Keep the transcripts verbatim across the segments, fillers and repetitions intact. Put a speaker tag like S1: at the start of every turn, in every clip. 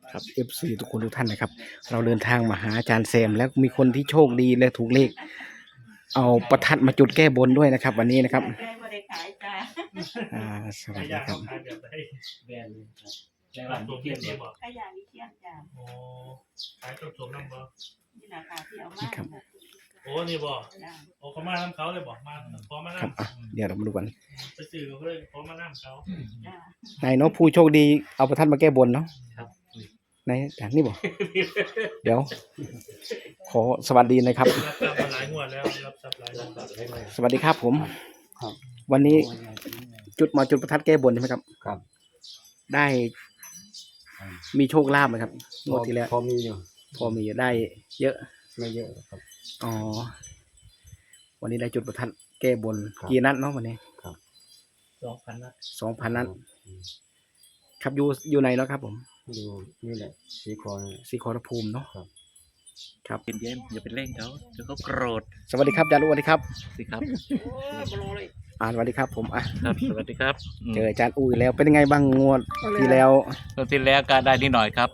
S1: ครับ เอฟ ซี ทุกคนทุกท่านนะครับเราเดินทางมาหาอาจารย์แซมแล้วมีคนที่โชคดีและถูกเลขเอาประทัดมาจุดแก้บนด้วยนะครับวันนี้นะครับอ่าสวัสดีครับ
S2: แบรนด์เลยครับแต่ว่าตัวเทียนเนี่ยบอก
S3: ขยะวิเชียนจ้า
S2: โอ้ขายต้มสมน้ำบ่
S3: นี่นะค่ะที่เอามา
S1: ครับ
S2: โอ้นี่บ่
S3: จ้า
S2: โอ้เขามาน้ำเขาเลยบอกมาพอมา
S1: ครับอ่ะ
S2: น้ำ
S1: เดี๋ยวเรามาดูกัน
S2: ไปซื้อเขาเลยพอมาน้ำเขา
S3: จ้า
S1: นายเนาะผู้โชคดีเอาประทัดมาแก้บนเนาะ
S2: ครับ
S1: นายอาจารย์นี่บอกเดี๋ยว ขอสวัสดีนะครับ
S2: รับทรัพย์มาหลายงวดแล้วรับทรัพย์หลายงวดแล้ว
S1: สวัสดีครับผม
S4: ครับ
S1: วันนี้จุดมาจุดประทัดแก้บนใช่ไหมครับ
S4: ครับ
S1: ได้มีโชคลาภไหมครับงวดที่แล้ว
S4: พอมีอยู่
S1: พอมีได้เยอะ
S4: ไม่เยอะครับ
S1: อ๋อ วันนี้ได้จุดประทัดแก้บน
S4: ครับ
S1: กี่นัดเนาะวันนี้
S2: สองพันนะ
S1: สองพันนัดครับอยู่อยู่ไหนเนาะครับ ผม
S4: ดูนี่แหละสีคอนี่
S1: สีขอรภูมิเนาะ
S4: ครับ
S1: ครับ
S2: เย็นเย็นอย่าไปเร่งเขาเดี๋ยวเขาโกรธ
S1: สวัสดีครับอาจารย์อุสวัสดีครับ
S2: สิครับ
S1: อ่าสวัสดีครับผมอ่ะ
S2: ครับสวัสดีครับ
S1: เจออาจารย์อุ้ยแล้วเป็นยังไงบ้างงวดที่แล้ว
S2: ตอนที่แล้วก็ได้นิดหน่อยครับ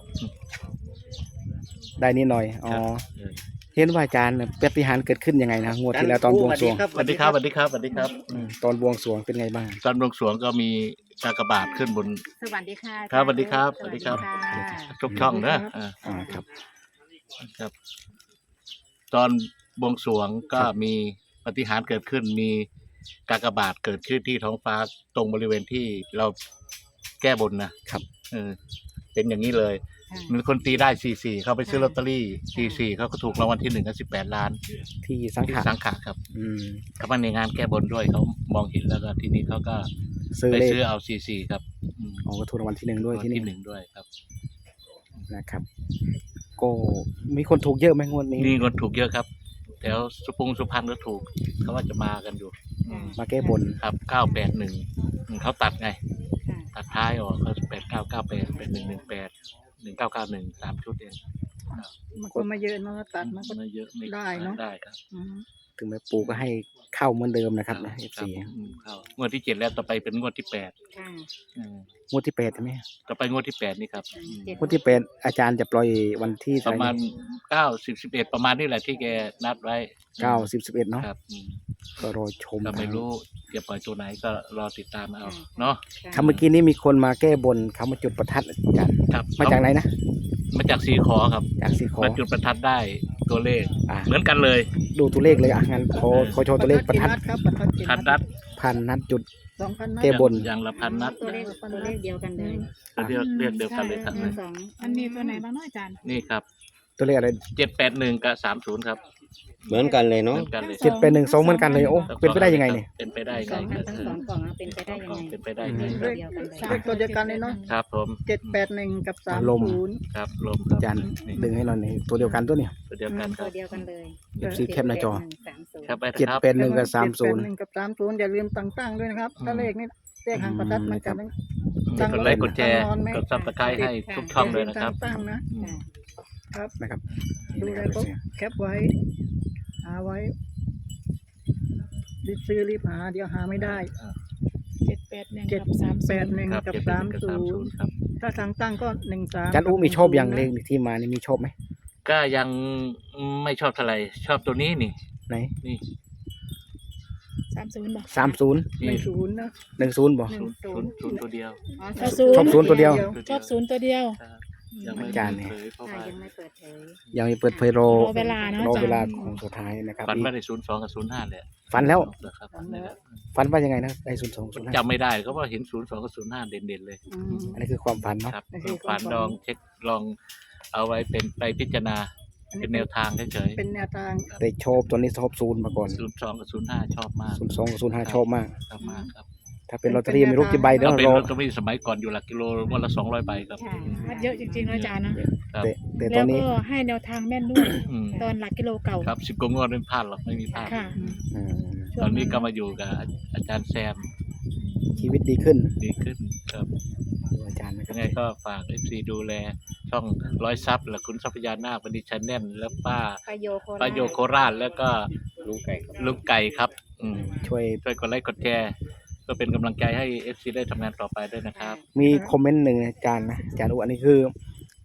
S1: ได้นิดหน่อยอ๋อเห็นว่าอาจารย์ปาฏิหาริย์เกิดขึ้นยังไงนะงวดที่แล้วตอนบวงสรวง
S2: สวัสดีครับสวัสดีครับสวัสดีครับ
S1: อืมตอนบวงสรวงเป็นไงบ้าง
S2: ตอนบวงสรวงก็มีกากบาทขึ้นบน
S3: สวัสดีค่ะ
S2: ครับสวัสดีครับสวัสดีครับ ทุกช่องเนอะอ่า
S1: อ่าครับ
S2: ครับ ตอนบวงสรวงก็มีปาฏิหาริย์เกิดขึ้น มีกากบาทเกิดขึ้นที่ท้องฟ้าตรงบริเวณที่เราแก้บนนะครับ เออเป็นอย่างนี้เลย มีคนตีได้สี่สี่เขาไปซื้อลอตเตอรี่สี่สี่เขาก็ถูกรางวัลที่หนึ่งกันสิบแปดล้าน
S1: ที่สัง
S2: ที่
S1: ขาร
S2: สังขะครับ
S1: อืม
S2: เขามาในงานแก้บนด้วยเขามองเห็นแล้วก็ทีนี้เขาก็
S1: ซื้อ
S2: ไป
S1: เลข
S2: ซื้อเอาสี่สี่ครับอืม
S1: อ๋อก็ถูกรางวัลที่หนึ่งด้วย
S2: รางวัล
S1: ที่นี่
S2: ที่หนึ่งด้วยครับ
S1: นะครับ ก็มีคนถูกเยอะไหมงวดนี้
S2: นี่คนถูกเยอะครับแถวสุพงสุพรรณก็ถูกเขาว่าจะมากันอยู่อืม
S1: มาแก้บน
S2: ครับเก้าแปดหนึ่งเขาตัดไง ตัดท้ายออกเขาแปดเก้าเก้าแปดเป็นหนึ่งหนึ่งแปดหนึ่งเก้าเก้าหนึ่งสามชุดเอง
S5: มันก็ไม่เยอะเนาะตัดมันก็
S2: ไม่เยอะไม่
S5: ได้เนอะ
S2: ได้ครับ
S5: อืม
S1: ถึงแม้ปู่ก็ให้เข้าเหมือนเดิมนะครับนะ
S2: ค
S1: เอ
S2: รับ
S1: ฟซี
S2: อืมเข้างวดที่เจ็ดแล้วต่อไปเป็นงวดที่แปด
S3: ค่ะ
S2: อืม
S1: งวดที่แปดใช่ไหม
S2: ต่อไปงวดที่แปดนี่ครับอืม
S1: งวดที่แปดอาจารย์จะปล่อยวันที่
S2: ป
S1: เท่า
S2: ระ
S1: ไห
S2: มา
S1: ร่
S2: ณเก้าสิบสิบเอ็ดประมาณนี่แหละที่แกนัดไว้
S1: เก้าสิบสิบเอ็ดเนาะ
S2: ครับอืม
S1: ก็รอชม
S2: ก็ไม่รู้จะปล่อยตัวไหนก็รอติดตามเอาเนาะ
S1: ครับเมื่อกี้นี้มีคนมาแก้บนเขามาจุดประทัดอาจารย์
S2: ครับ
S1: มาจากไหนนะ
S2: มาจากสีขอครับ
S1: จากสีขอ
S2: มาจุดประทัดได้ตัวเลข
S1: อ่ะ
S2: เหมือนกันเลย
S1: ดูตัวเลขเลยอ่ะงั้นขอขอโชว์ตัวเลขประทัด
S5: กี่นัครับประทัดกี่
S2: พันนัด
S1: พันนัดจุด
S5: สองพันนัด
S1: แก้บน
S2: อย่างละพันนัด
S3: ตัวเลขตัวเลขเดียวกันเลย
S2: เรียกเรียกเดียวกันเลยครับ
S3: หนึ่งสอง
S6: มันมีตัวไหนบ้างเนาะอาจารย์
S2: นี่ครับ
S1: ตัวเลขอะไร
S2: เจ็ดแปดหนึ่งกับสามศูนย์ครับ
S4: เหมือนกันเลย
S2: เห
S4: เนาะ
S2: มือนกันเลย
S1: เจ็ดเป็นหนึ่งสองเหมือนกันเลยโอ้เป็นไปได้ยังไงเนี่ย
S2: เป็นไปได้
S3: ส
S2: ไง
S3: องอันทั้งสองกล่องอะเป็นไปได้ยังไง
S2: เป็นไปได้ไง
S3: ตัวเดียวกันเลย
S5: เลขตัวเดียวกันเลยเนาะ
S2: ครับผม
S5: เจ็ดแปดหนึ่งกับสาม
S1: ลม
S5: ศูนย์
S2: ครับลมครับ
S1: อาจารย์
S2: นี่
S1: ดึงให้เราหน่อยตัวเดียวกันตัวเนี่ย
S2: ตัวเดียวกันค
S3: ตั
S2: รั
S3: ว
S2: บ
S3: เดียวกันเลย
S1: เดี๋ยวซีแคปหน้าจอ
S3: สามศูนย์
S2: ครับไป
S1: เจ็ด
S2: ครับ
S1: แปดหนึ่งกับสามศูนย์
S5: เจ็ดแปดหนึ่งกับสามศูนย์อย่าลืมตั้งๆด้วยนะครับ ถ้าเลขนี้เลขหางประทัดมันจะไม่
S2: กดไลค์กดแชร์กดซับสไครต์ให้ทุกช่องเลยนะครับ
S5: ตั้งๆนะ
S3: ค่ะ
S5: ครับ
S1: นะครับ
S5: ดูอะไรก็แคปไว้ หาไว้รีบซื้อรีบหาเดี๋ยวหาไม่ได้
S6: เจ็ดแปดหนึ่ง
S5: เจ็ด
S6: กับสาม
S5: แป
S6: ศู
S5: ด
S6: นย์
S5: หนึ่ง
S2: ครับ
S5: กับ
S2: เจ็ด
S5: สาม
S2: กับ
S5: ศู
S2: สามศู
S5: น
S2: น
S5: ย์
S2: ย์ครับ
S5: ถ้าทางตั้งก็หนึ่งสาม
S1: อาจารย์อู้มีชอบอย่างเลขที่มานี่มีชอบไหม
S2: ก็ยังไม่ชอบเท่าไหร่ชอบตัวนี้นี่
S1: ไหน
S2: นี่
S6: สามศูนย์บอก
S1: สามศูนย์
S5: หนึ่งศูนย์นะ
S1: หนึ่งศูนย์บอก
S3: หนึ่งศู
S2: ศู
S3: น
S2: น
S3: ย์
S2: ย์ศูนย์ตัวเดียว
S3: อ๋อ
S6: ชอบศูน
S1: ชอบ
S6: ย์
S1: ศูนย์ตัวเดียว
S6: ชอบศูนย์ตัวเดียว
S2: ครับยังไม่
S1: อาจารย์เนี่ย
S2: เผยเพราะ
S3: ค่ะ
S2: ว่า
S3: ยังไม่เปิดเผย
S1: ยังไม่เปิดเผยรอ
S6: รอเวลาเนอะ
S1: รอเวลา
S6: อาจารย์
S1: ของสุดท้ายนะครับ
S2: ฝัน
S1: อีก
S2: ว่าได้ศูนย์สองกับศูนย์ห้าเลย
S1: ฝันแล้ว
S2: ครับฝันแล้ว
S1: ฝันว่ายังไงนะได้ศูนย์สองศูนย์ห้า
S2: จำไม่ได้เขาว่าเห็นศูนย์สองกับศูนย์ห้าเด่นๆเลย
S5: อืม
S1: อันนี้คือความฝันเนาะ
S2: ครับ
S5: นี่คือค
S2: ฝั
S5: วาม
S2: น
S5: ฝัน
S2: ลองเช็คลองเอาไว้เป็นไปพิจารณา
S5: อัน
S2: เป็
S5: นี้
S2: นแนวทางเฉย
S5: เป็นแนวทาง
S1: แต่ชอบตัวนี้ชอบศูนย์มาก่อน
S2: ๆศูนย์สองกับศูนย์ห้าชอบมาก
S1: ศูนย์สองกับศูนย์ห้าชอบมาก
S2: ชอบมากครับ
S1: ถ้าเป็นลอตเตอรี่ไม่รู้กี่ใบเดี๋ยว
S2: ถ้าเป็น
S1: รอ
S2: ลอตเตอรี่สมัยก่อนอยู่หลักกิโลวันละสองร้อยใบครับ
S3: ค่ะ
S6: มันเยอะจริงๆนะอาจารย์นะ
S2: ครับ
S1: แต่แต่ต
S6: แล้
S1: อ
S6: วน
S1: นี้
S6: ก็ให้แนวทางแม่นด้วย
S2: อืม
S6: ตอนหลักกิโลเก่า
S2: ครับสิบกว่างวดไม่พลาดหรอกไม่มีพลาด
S6: ค่ะ
S1: อืม
S2: ตอนนี้ก็มาอยู่กับอาจารย์แซม
S1: ชีวิตดีขึ้น
S2: ดีขึ้นครับ
S1: ดูอาจารย์นะค
S2: ยั
S1: รับ
S2: งไงก็ฝากเอฟซีดูแลช่องร้อยซับและคุณทรัพยานาคบันดีชันแน่นแล้วป้า
S3: ปาโยโคราช
S2: ป้าโยโคราชแล้วก็
S4: ลุงไก่ครับ
S2: ลุงไก่ครับอืม
S1: ช่วย
S2: ช่วยกดไลค์กดแชร์ก็เป็นกำลังใจให้เอฟซีได้ทำงานต่อไปด้วยนะครับ
S1: มีคอมเมนต์หนึ่งนะอาจารย์นะอาจารย์อู้อันนี้คือ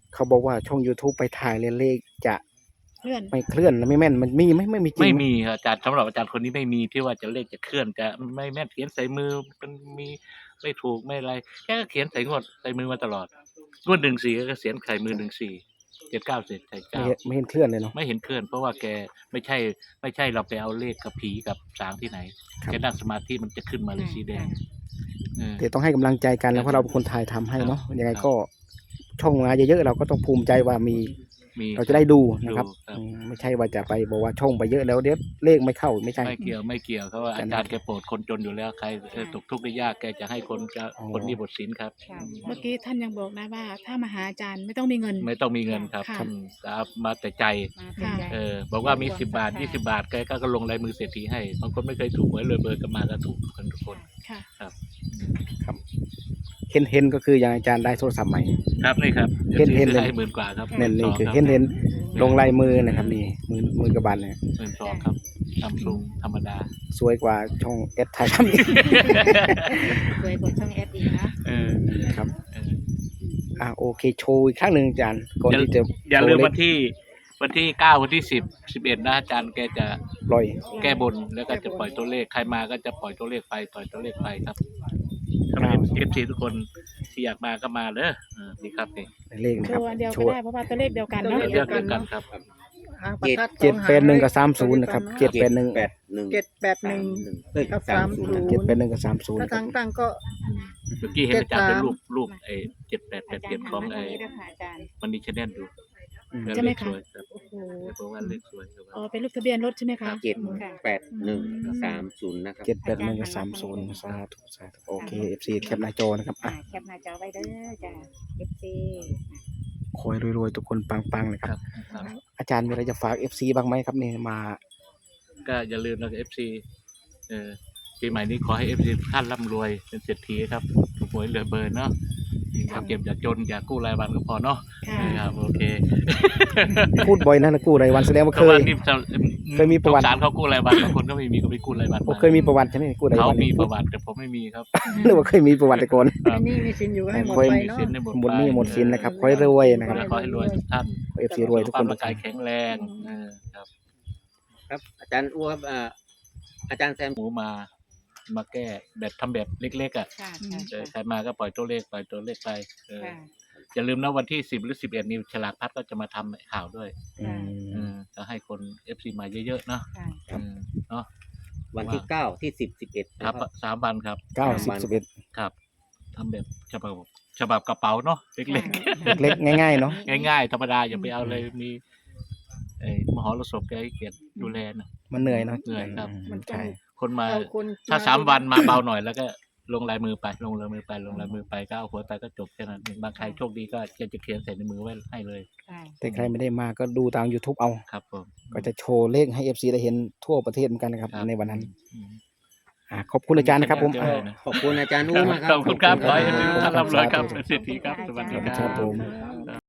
S1: เขาบอกว่าช่อง YouTube ไปถ่ายเลเลขจะ
S6: เพื่อน
S1: ไม่เคลื่อนไม่แม่นมันมีไหมไม่มีจริง
S2: ไม่
S1: ห
S2: มีครับอาจารย์สำหรับอาจารย์คนนี้ไม่มีที่ว่าจะเลขจะเคลื่อนจะไม่แม่นเขียนใส่มือมันมีไม่ถูกไม่อะไรแค่ก็เขียนใส่งวดใส่มือมาตลอดงวดหนึ่งสี่ก็เขียนใส่มือหนึ่งสี่เจ็ดเก้าเสร็จใส่
S1: ไม่
S2: เก้า
S1: เห็นไม่เห็นเคลื่อนเลยเนาะ
S2: ไม่เห็นเคลื่อนเพราะว่าแกไม่ใช่ไม่ใช่เราไปเอาเลขกับผีกับสางที่ไหน
S1: ครับ
S2: แกนั่งสมาธิมันจะขึ้นมาเลยสีแดงเออ
S1: แต่ต้องให้กำลังใจกันแล้วเพราะเราเป็นคนถ่ายทำให้เนาะ
S2: ครับ
S1: ยังไง
S2: ครับ
S1: ก็ช่องมาเยอะๆเราก็ต้องภูมิใจว่ามี
S2: มี
S1: เราจะได้ดูนะครับ
S2: ดูครับ
S1: อืมไม่ใช่ว่าจะไปบอกว่าช่องไปเยอะแล้วเดี๋ยวเลขไม่เข้าไม่ใช่
S2: ไม่เกี่ยวไม่เกี่ยวเขาว่า
S1: แต่
S2: อา
S1: นะ
S2: จารย์แกโปรดคนจนอยู่แล้วใครเออตกทุกข์ได้ยากแกจะให้คนจะ
S1: อ๋อ
S2: คนนี้บทศีลครับ
S3: ค่ะ
S6: เมื่อกี้ท่านยังบอกนะว่า ถ้ามาหาอาจารย์ไม่ต้องมีเงิน
S2: ไม่ต้องมีเงินครับ
S6: ค่ะ
S2: อืมครับมาแต่ใจ
S3: มาเป็นใจ
S2: เออบอกว่ามีสิบบาทยี่สิบาทแกก็ลงลายมือเศรษฐีให้บางคนไม่เคยถูกหวยเลยเบอร์กันมาก็ถูกกันทุกคน
S6: ค่ะ
S1: ครับเห็นเห็นก็คืออย่างอาจารย์ได้โทรศัพท์ใหม่
S2: ครับนี่ครับ
S1: เห็นเห็นเลย
S2: ให้หมื่นกว่าครับ
S1: นั่นนี่
S2: สง
S1: คือ
S2: รับ
S1: เห็นเห็นลงลายมือนะครับนี่มือมือกระบาลเนี่ย
S2: หมื่นสองครับซัมซุงธรรมดา
S1: สวยกว่าช่องเอสไทยทำอีก
S3: สวยกว่าช่องแอดอีกนะ
S2: เออ
S1: ครับ
S2: เออ
S1: อ่าโอเคโชว์อีกครั้งหนึ่งอาจารย์ก่อนที่จะ
S2: อย่าลืม
S1: โช
S2: วันที่วันที่เก้าวันที่สิบสิบเอ็ดนะอาจารย์แกจะ
S1: ปล่อย
S2: แก้บนแล้วก็จะปล่อยตัวเลขใครมาก็จะปล่อยตัวเลขไปปล่อยตัวเลขไปครับถ้าเป็นเอฟซีทุกคนที่อยากมาก็มาเด้อเออนี่ครับนี่
S1: เลขนะ
S6: โช
S1: ครับ
S6: ว์อันเดียว
S1: โช
S6: ก็
S1: ว์
S6: ได้เพราะว่าตัวเลขเดียวกัน
S2: เดี
S6: เนาะ
S2: ยวเดียวกันครับ
S5: หางประทัด
S1: เจ็ด
S5: สอง
S1: แปดหนึ่งกับ
S5: ห
S1: สามศูนย์นะครับเจ็ดแปดหนึ่ง
S4: แปดหนึ่ง
S5: เจ็ดแปดหนึ่ง
S4: เอ้ย
S5: กับ
S4: สามศูนย์
S5: สามศูนย์
S1: เจ็ดแปดหนึ่งกับสามศูนย์
S5: ถ้าทางตั้งก็
S2: เมื่อกี้เห็นอาจารย์เป็น
S5: เจ็ดสาม
S2: รูปรูปไอ้เจ็ดแปดแป
S3: อา
S2: ด
S3: จาร
S2: เจ็ด
S3: ย์
S2: ของ
S3: ทำมาตร
S2: ไอ้
S3: งนี้ด้วยค่ะอาจารย์
S2: มันนี่ชแนลดู
S1: อืม
S2: แล้ว
S6: ใช่ไหม
S2: เลข
S6: คะ
S2: สวยครับ
S6: โอ้โห
S2: เพราะว่าเลขสวยครับ
S6: อ๋อเป็นรูปทะเบียนรถใช่ไหมคะ
S4: เจ็ดแปดหนึ่งสามศูนย์นะครับ
S1: เจ็ดแปดหนึ่งกับสามศูนย์สาธุสาธุโอเคเอฟซีแคปหน้าจอนะครับ
S3: อ่า
S1: อ่ะ
S3: แคปหน้าจอไว้เด้อจ้ะ เอฟ ซี
S1: คอยรวยๆทุกคนปังๆนะค
S2: ค
S1: รั
S2: รับ บครับ
S1: อาจารย์มีอะไรจะฝากเอฟซีบ้างไหมครับเนี่ยมา
S2: ก็อย่าลืมนะเอฟซีเออปีใหม่นี้ขอให้เอฟซีท่านร่ำรวยเป็นเศรษฐีครับถูกหวยเหลือเบอร์เนาะอยากเก็บอยากจนอยากกู้รายวันก็พอเนาะ
S6: ค่ะ
S2: ครับโอเค
S1: พูดบ่อยนะนะกู้รายวันแสดงว่า
S2: เพ
S1: เค
S2: ราะว่าย นี่จะ
S1: เคยมีประวัติ
S2: สงสารเขากู้รายวันบางคนก็ไม่มีก็ไปกู้รายวัน
S1: ผมเคยมีประวัติใช่ไหมกู้ราย
S2: เขา
S1: วัน
S2: มีประวัติแต่ผมไม่มีครับ
S1: หรือว่าเคยมีประวัติแต่ก่อน
S2: ครับ
S5: อันนี้มีสินอยู่ให้หมด
S1: ค่อย
S5: ไป
S2: มี
S5: เนาะ
S2: สินในหมด
S1: หมดหนี้
S2: ไป
S1: หมดสินนะครับขอให้รวยนะครับ
S2: ขอให้รวยทุกท่าน
S1: เอฟซีรวยทุกคน
S2: สุขภาพร่างกายแข็งแรงเออครับ
S4: ครับอาจารย์อ้วครับอ่าอาจารย์แซม
S2: หมูมา มาแก้แบบทำแบบเล็กๆอ่ะ
S3: ค่ะค่ะ
S2: เออใครมาก็ปล่อยตัวเลขปล่อยตัวเลขไปเออ
S3: ค่ะ
S2: อย่าลืมนะวันที่สิบหรือสิบเอ็ดนิวฉลากพัดก็จะมาทำข่าวด้วย
S1: อื
S2: เอ
S1: ม
S2: อจะให้คนเอฟซีมาเยอะๆเนาะ
S3: ค่ะ
S2: เออเนาะ
S4: วันที่เก้าที่สิบสิบเอ็ด
S2: ครับสามวันครับ
S1: เก้าสิบสิบเอ็ด
S2: ครับทำแบบฉบับฉบับกระเป๋าเนาะเล็ก
S1: เล็กๆง่ายๆเนาะ
S2: ๆ ง่ายๆ ธรรมดาอย่าไปเอาเลยมีไอ้มหรสพแกให้เกียรติดูแลนะ
S1: มันเหนื่อยเนาะ
S2: เหนื่อยครับ
S5: มันต้อง
S1: ใช่
S2: คนมา
S5: เอาคน
S2: ถ้าสามวันมาเบาหน่อยแล้วก็ลงลายมือไปลงลายมือไปลงลายมือไปก็เอาหัวไปก็จบแค่นั้นเองบางใครโชคดีก็จะจะเขียนใส่ในมือไว้ให้เลย
S3: ค่ะ
S1: แต่ใครไม่ได้มาก็ดูทาง YouTube เอา
S2: ครับผม
S1: ก็จะโชว์เลขให้ เอฟ ซี ได้เห็นทั่วประเทศเหมือนกันนะครับ
S2: ครับ
S1: ในวันนั้น
S2: อืม
S1: อ่าขอบคุณอาจารย์นะครับผม
S2: เจอ
S1: อ่า
S2: เลยนะ
S4: ขอบคุณอาจารย์อ้วมากค
S2: ข
S4: รั
S2: อบคุณครับขอให้
S1: ขอบคุณครับ
S2: ท่านร่ำรวยครับเป็นเศรษฐีครับสวัสดีค
S1: ครั
S2: รั
S1: บบ ผม
S5: ครับ